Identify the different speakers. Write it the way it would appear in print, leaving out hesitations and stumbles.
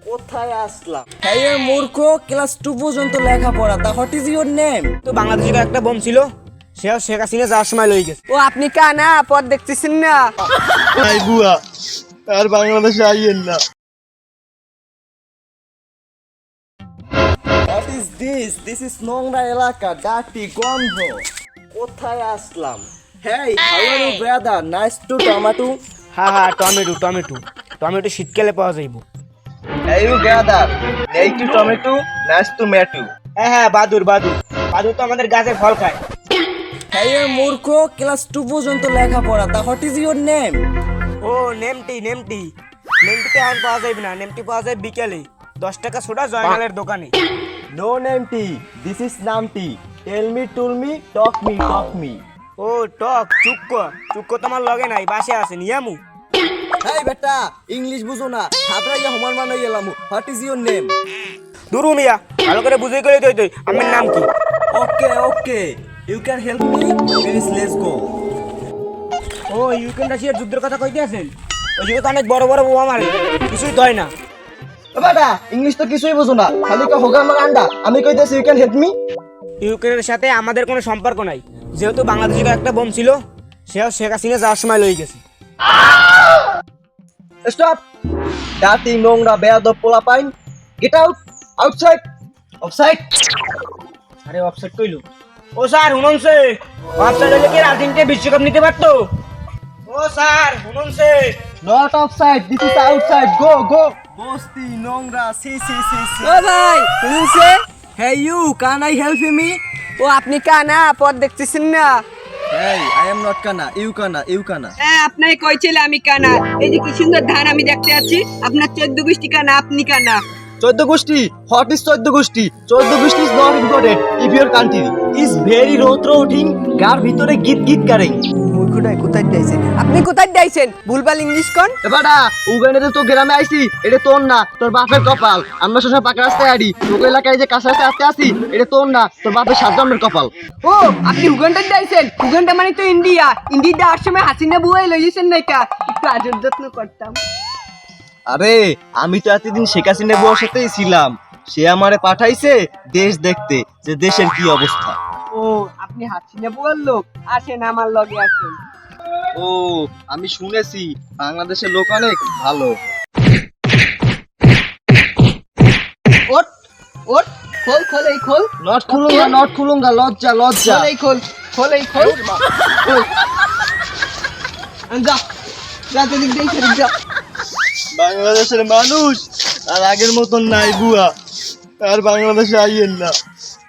Speaker 1: কোথায় আসলাম? হ্যাঁ মূর্খ, ক্লাস 2 পর্যন্ত লেখাপড়া। তা হোয়াট ইজ ইওর নেম?
Speaker 2: তো বাংলাদেশের একটা বোন ছিল, সেও শেখ হাসিনা যাওয়ার সময় লই গেছে।
Speaker 3: ও আপনি কানা পথ দেখতেছেন না?
Speaker 4: নাই বুয়া, আর বাংলাদেশে আইয়েন না।
Speaker 1: What is this? This is নোংরা এলাকা, ডার্টি, গন্ধ। কোথায় আসলাম? হ্যাঁ, how are you brother? Nice to tomato.
Speaker 2: হ্যাঁ, টমেটো টমেটো টমেটো শীতকালে পাওয়া যাইব।
Speaker 1: Hey you brother, need to tomato, nice to meet you.
Speaker 2: হ্যাঁ, বাদুর বাদুর বাদুর তো আমাদের গাছে ফল খায়।
Speaker 1: হ্যাঁ মূর্খ, ক্লাস 2 পর্যন্ত লেখাপড়া। তা হোয়াট ইজ ইওর নেম?
Speaker 2: ও নেমটিতে এখন পাওয়া যাইবে না, নেমটি পাওয়া যায় বিকেলে 10 টাকা সোডা জয়নালের দোকানে।
Speaker 1: No name tea, this is Namti. Tell me, told me, talk me.
Speaker 2: ও টক চুক্কো তোমার লগে নাই, বাসে আছে নিয়ামু।
Speaker 1: Hey বেটা, ইংলিশ বুঝো না, হাবরাইয়া হমান মানে গেলাম। What is your name?
Speaker 2: দুরু মিয়া, ভালো করে বুঝাই করে তুই আমার নাম কি?
Speaker 1: Okay, you can help me, please let's go.
Speaker 2: ও ইউক্রেন রাশিয়ার যুদ্ধের কথা কইতে আছেন? ওই যুগে তো অনেক বড় বড় বোমা মারে, কিছুই দয় না।
Speaker 1: বেটা, ইংলিশ তো কিছুই বুঝো না, খালি কা হোগা আমার আন্ডা। আমি কইতেছি you can help me.
Speaker 2: ইউক্রেনের সাথে আমাদের কোনো সম্পর্ক নাই, যেহেতু বাংলাদেশের একটা বোন ছিল, সেও শেখ হাসিনা যাওয়ার সময় লই গেছে।
Speaker 1: Stop! Dirty, নোংরা, বেয়াদব পোলাপাইন। Get out! Outside! Outside!
Speaker 2: আরে অফসাইড কইলো? ও স্যার শুনুনছে, অফসাইড হলে কি আর্জেন্টিনা বিশ্বকাপ নিতে পারতো? ও স্যার শুনুনছে,
Speaker 1: Not outside, this is outside. Go! বস্তি, নোংরা, সি।
Speaker 3: ও ভাই শুনছে?
Speaker 1: Hey you, can I help me?
Speaker 3: ও আপনি কানা পথ দেখতেছেন না?
Speaker 1: Hey, I am not Kana. You Kana.
Speaker 3: হ্যাঁ আপনাকে কইছিল আমি কানা। এই যে কি সুন্দর ধান আমি দেখতে আছি, আপনার 14 গোষ্ঠী কানা, আপনি কানা।
Speaker 1: 14 গোষ্ঠী? What is 14 গোষ্ঠী? 14 গোষ্ঠী is not important if your country is very road-routing, গার ভিতরে গীত কারেং।
Speaker 3: মূর্খটাই কোথায় দিয়েছেন? আপনি কোথায় দিয়েছেন? ভুলভাল ইংলিশ কোন?
Speaker 1: এবারে উগান্ডাতে তো গ্রামে আইছি, এটা তোর না, তোর বাপের কপাল। আমরা সবসময় পাকা রাস্তায় আড়ি, তোকে এলাকায় যে কাছে আসতে আসি, এটা তোর না, তোর বাপের 7 জন্মের কপাল।
Speaker 3: ও আপনি উগান্ডা দিয়েছেন? উগান্ডা মানে তো ইন্ডিয়া যাওয়ার সময় হাসিনা বুয়াই লইছেন না কা? একটু আদর যত্ন করতাম।
Speaker 1: আরে আমি তো এতদিন শেখ হাসিনা বুয়ার সাথেই ছিলাম, সে আমারে পাঠাইছে দেশ দেখতে যে দেশের কি অবস্থা।
Speaker 3: ও আপনি হাসিনা বুয়ার লোক, আসেন আমার লগে আসেন।
Speaker 1: ও আমি শুনেছি বাংলাদেশের লোক অনেক ভালো।
Speaker 3: ওট খোল এই খোল।
Speaker 1: নট খুলুঙ্গা, লজ্জা।
Speaker 3: খোল এই খোল। যা দিক দেই যা।
Speaker 4: বাংলাদেশের মানুষ আর আগের মতন নাই বুয়া, আর বাংলাদেশে আইয়েন না।